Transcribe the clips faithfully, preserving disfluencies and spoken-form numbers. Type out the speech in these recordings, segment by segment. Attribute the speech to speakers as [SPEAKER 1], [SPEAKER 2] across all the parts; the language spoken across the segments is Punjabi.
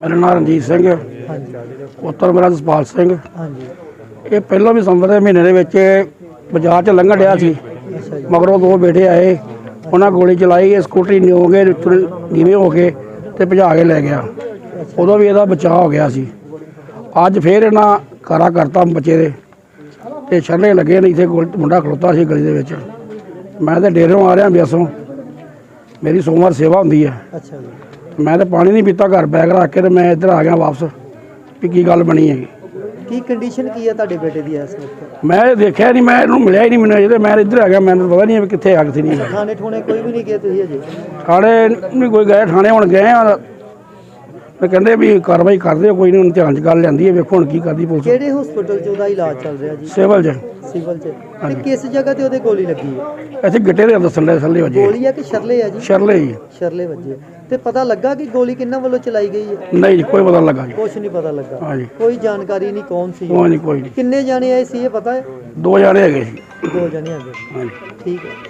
[SPEAKER 1] मेरा नाम रणजीत सिंह पुत्र मेरा जसपाल सिंह। ये पहलों भी संवत के महीने बाजार च लंघन डया सी, मगरों दो बेटे आए, उन्हें गोली चलाई, स्कूटरी नीओ के नीवे हो के ते भजा के लै गया। उदों भी इसदा बचाव हो गया सी। अज फिर इन्हां कारा करता बच्चे दे ते छल्ले लगे ने। इत्थे मुंडा खलोता सी गली दे विच। मैं तो डेरों आ रहा ब्यासों, मेरी सोमवार सेवा होंदी है। मैं तो पानी नहीं पीता, घर बैग रख के मैं इधर आ गया वापस भी की गल बनी है।
[SPEAKER 2] की कंडीशन की है तुहाडे बेटे दी इस वक्त?
[SPEAKER 1] मैं देखा नहीं, मैं इन्हूं मिलिया ही नहीं, मैंने अजे मैं इधर आ गया, मैंने पता नहीं कित्थे आ कित्थे नहीं।
[SPEAKER 2] थाने ठूने कोई भी नहीं गए तुसीं अजे?
[SPEAKER 1] थाने नहीं कोई गए, थाने हुण गए आ, मैं कहंदे भी कार्रवाई करदे कोई नहीं, ध्यान च गल लैंदी है, वेखो हुण की करदी पुलिस।
[SPEAKER 2] किहड़े हॉस्पिटल च ओहदा इलाज चल रहा जी?
[SPEAKER 1] सिविल च।
[SPEAKER 2] सिविल च ते किस जगह ते ओहदे गोली लगी है?
[SPEAKER 1] इत्थे गिट्टे दे दस्सण दे थल्ले वजे।
[SPEAKER 2] गोली है कि शरले है जी?
[SPEAKER 1] शरले ही।
[SPEAKER 2] शरले वजे ते पता लगा कि गोली किन्ना वालों चलाई गई है?
[SPEAKER 1] नहीं जी, कोई पता नहीं लगा जी।
[SPEAKER 2] कुछ नहीं पता लगा।
[SPEAKER 1] हाँ जी,
[SPEAKER 2] कोई जानकारी नहीं कौन सी?
[SPEAKER 1] कोई नहीं कोई नहीं।
[SPEAKER 2] किन्ने जाने आए सी ये पता है?
[SPEAKER 1] दो जाने हैगे सी।
[SPEAKER 2] दो जने आ गए।
[SPEAKER 1] हाँ जी।
[SPEAKER 2] ठीक है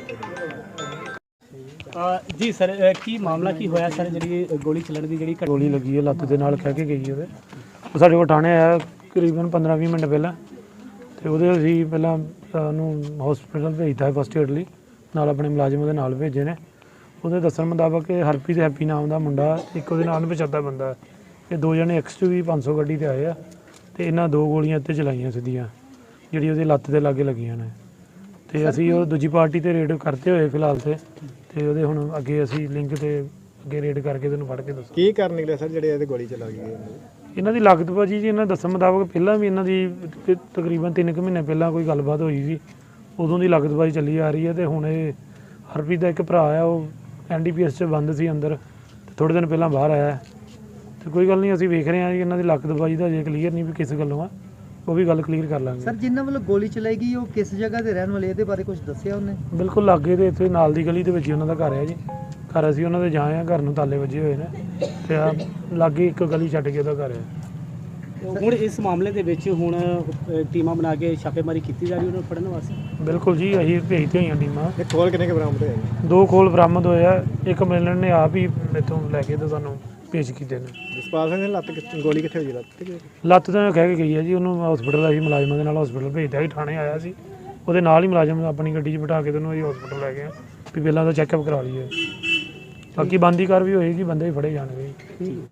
[SPEAKER 3] जी सर, की मामला की होया सर? जी गोली चलन की जी
[SPEAKER 4] गोली लगी है, लत्त के नाल खह के गई है। ਉਹ ਸਾਡੇ ਕੋਲ ਥਾਣੇ ਆਇਆ ਕਰੀਬਨ ਪੰਦਰਾਂ ਵੀਹ ਮਿੰਟ ਪਹਿਲਾਂ, ਤੇ ਉਹਦੇ ਅਸੀਂ ਪਹਿਲਾਂ ਉਹਨੂੰ ਹਸਪੀਟਲ ਭੇਜਤਾ ਫਸਟ ਏਡ ਲਈ, ਨਾਲ ਆਪਣੇ ਮੁਲਾਜ਼ਮ ਉਹਦੇ ਨਾਲ ਭੇਜੇ ਨੇ। ਉਹਦੇ ਦੱਸਣ ਮੁਤਾਬਕ ਕਿ ਹਰਪ੍ਰੀਤ ਹੈਪੀ ਨਾਮ ਦਾ ਮੁੰਡਾ, ਇੱਕ ਉਹਦੇ ਨਾਲ ਪਛਾਤਾ ਬੰਦਾ, ਇਹ ਦੋ ਜਣੇ ਐਕਸ ਟੂ ਵੀ ਪੰਜ ਸੌ ਗੱਡੀ 'ਤੇ ਆਏ ਆ, ਤੇ ਇਹਨਾਂ ਦੋ ਗੋਲੀਆਂ ਇੱਥੇ ਚਲਾਈਆਂ ਸਿੱਧੀਆਂ, ਜਿਹੜੀ ਉਹਦੀ ਲੱਤ ਦੇ ਲਾਗੇ ਲੱਗੀਆਂ ਨੇ। ਤੇ ਅਸੀਂ ਉਹ ਦੂਜੀ ਪਾਰਟੀ 'ਤੇ ਰੇਡ ਕਰਤੇ ਹੋਏ ਫਿਲਹਾਲ ਤੇ ਤੇ ਉਹਦੇ ਹੁਣ ਅੱਗੇ ਅਸੀਂ ਲਿੰਕ 'ਤੇ ਅੱਗੇ ਰੇਡ ਕਰਕੇ ਤੈਨੂੰ ਫੜ ਕੇ ਦੱਸੋ
[SPEAKER 5] ਕੀ ਕਰਨ ਨਿਕਲੇ ਸਰ ਜਿਹੜੇ ਇਹਦੇ ਗੋਲੀ ਚਲਾ ਗਈ?
[SPEAKER 4] ਇਹਨਾਂ ਦੀ ਲਾਗਤ ਭਾਜੀ ਜੀ, ਇਹਨਾਂ ਦੱਸਣ ਮੁਤਾਬਕ ਪਹਿਲਾਂ ਵੀ ਇਹਨਾਂ ਦੀ ਤ- ਤਕਰੀਬਨ ਤਿੰਨ ਕੁ ਮਹੀਨੇ ਪਹਿਲਾਂ ਕੋਈ ਗੱਲਬਾਤ ਹੋਈ ਸੀ, ਉਦੋਂ ਦੀ ਲਾਗਤ ਭਾਜੀ ਚੱਲੀ ਆ ਰਹੀ ਹੈ। ਤੇ ਹੁਣ ਇਹ ਹਰਪ੍ਰੀਤ ਦਾ ਇੱਕ ਭਰਾ ਆ, ਉਹ ਐਨ ਡੀ ਪੀ ਐਸ 'ਚ ਬੰਦ ਸੀ ਅੰਦਰ, ਤੇ ਥੋੜ੍ਹੇ ਦਿਨ ਪਹਿਲਾਂ ਬਾਹਰ ਆਇਆ। ਤੇ ਕੋਈ ਗੱਲ ਨਹੀਂ, ਅਸੀਂ ਵੇਖ ਰਹੇ ਹਾਂ ਜੀ ਇਹਨਾਂ ਦੀ ਲਾਗਤ ਭਾਜੀ ਦਾ ਅਜੇ ਕਲੀਅਰ ਨਹੀਂ ਵੀ ਕਿਸ ਗੱਲੋਂ ਆ, ਉਹ ਵੀ ਗੱਲ ਕਲੀਅਰ ਕਰ ਲਾਂਗੇ।
[SPEAKER 2] ਸਰ, ਜਿਨ੍ਹਾਂ ਵੱਲੋਂ ਗੋਲੀ ਚਲਾਈ ਗਈ ਉਹ ਕਿਸ ਜਗ੍ਹਾ ਤੇ ਰਹਿਣ ਵਾਲੇ, ਇਹਦੇ ਬਾਰੇ ਕੁਝ ਦੱਸਿਆ ਉਹਨੇ?
[SPEAKER 4] ਬਿਲਕੁਲ ਲਾਗੇ ਦੇ ਇੱਥੇ ਨਾਲ ਦੀ ਗਲੀ ਦੇ ਵਿੱਚ ਹੀ ਉਹਨਾਂ ਦਾ ਘਰ ਹੈ ਜੀ। ਘਰ ਅਸੀਂ ਉਹਨਾਂ ਦੇ ਜਾਏ ਆ, ਘਰ ਨੂੰ ਤਾਲੇ ਵੱਜੇ ਹੋਏ ਨੇ, ਤੇ ਆ ਲਾਗੇ ਇੱਕ ਗਲੀ ਛੱਡ ਕੇ ਉਹਦਾ ਘਰ ਹੈ।
[SPEAKER 3] ਹੁਣ ਇਸ ਮਾਮਲੇ ਦੇ ਵਿੱਚ ਹੁਣ ਅ, ਟੀਮਾਂ ਬਣਾ ਕੇ ਛਾਪੇਮਾਰੀ ਕੀਤੀ ਜਾ ਰਹੀ ਉਹਨਾਂ ਨੂੰ ਫੜਨ ਵਾਸਤੇ?
[SPEAKER 4] ਬਿਲਕੁਲ ਜੀ, ਅਸੀਂ ਭੇਜਦੇ ਹੋਈਆਂ ਟੀਮਾਂ।
[SPEAKER 5] ਇਹ ਖੋਲ ਕਿੰਨੇ ਕੁ ਬਰਾਮਦ ਹੋਏ?
[SPEAKER 4] ਦੋ ਖੋਲ ਬਰਾਮਦ ਹੋਏ ਆ, ਇੱਕ ਮਿਲਣ ਨੇ ਆਪ ਹੀ ਇੱਥੋਂ ਲੈ ਕੇ ਤੇ ਸਾਨੂੰ ਪੇਸ਼ ਕੀਤੇ ਨੇ।
[SPEAKER 5] ਜਸਪਾਲ ਸਿੰਘ ਦੀ ਲੱਤ ਕਿੱਥੇ- ਗੋਲੀ ਕਿੱਥੇ ਹੋਈ? ਲੱਤ ਤੇ?
[SPEAKER 4] ਲੱਤ ਤਾਂ ਕਹਿ ਕੇ ਗਈ ਹੈ ਜੀ, ਉਹਨੂੰ ਹਸਪੀਟਲ ਅਸੀਂ ਮੁਲਾਜ਼ਮਾਂ ਦੇ ਨਾਲ ਹਸਪੀਟਲ ਭੇਜਦਾ ਸੀ, ਥਾਣੇ ਆਇਆ ਸੀ, ਉਹਦੇ ਨਾਲ ਹੀ ਮੁਲਾਜ਼ਮ ਆਪਣੀ ਗੱਡੀ 'ਚ ਬਿਠਾ ਕੇ ਤੈਨੂੰ ਅਸੀਂ ਹਸਪੀਟਲ ਲੈ ਗਏ ਵੀ ਪਹਿਲਾਂ ਤਾਂ ਚੈੱਕਅਪ ਕਰਾ ਲਈਏ, ਬਾਕੀ ਬਣਦੀ ਕਾਰਵਾਈ ਹੋਏਗੀ, ਬੰਦੇ ਵੀ ਫੜੇ ਜਾਣਗੇ।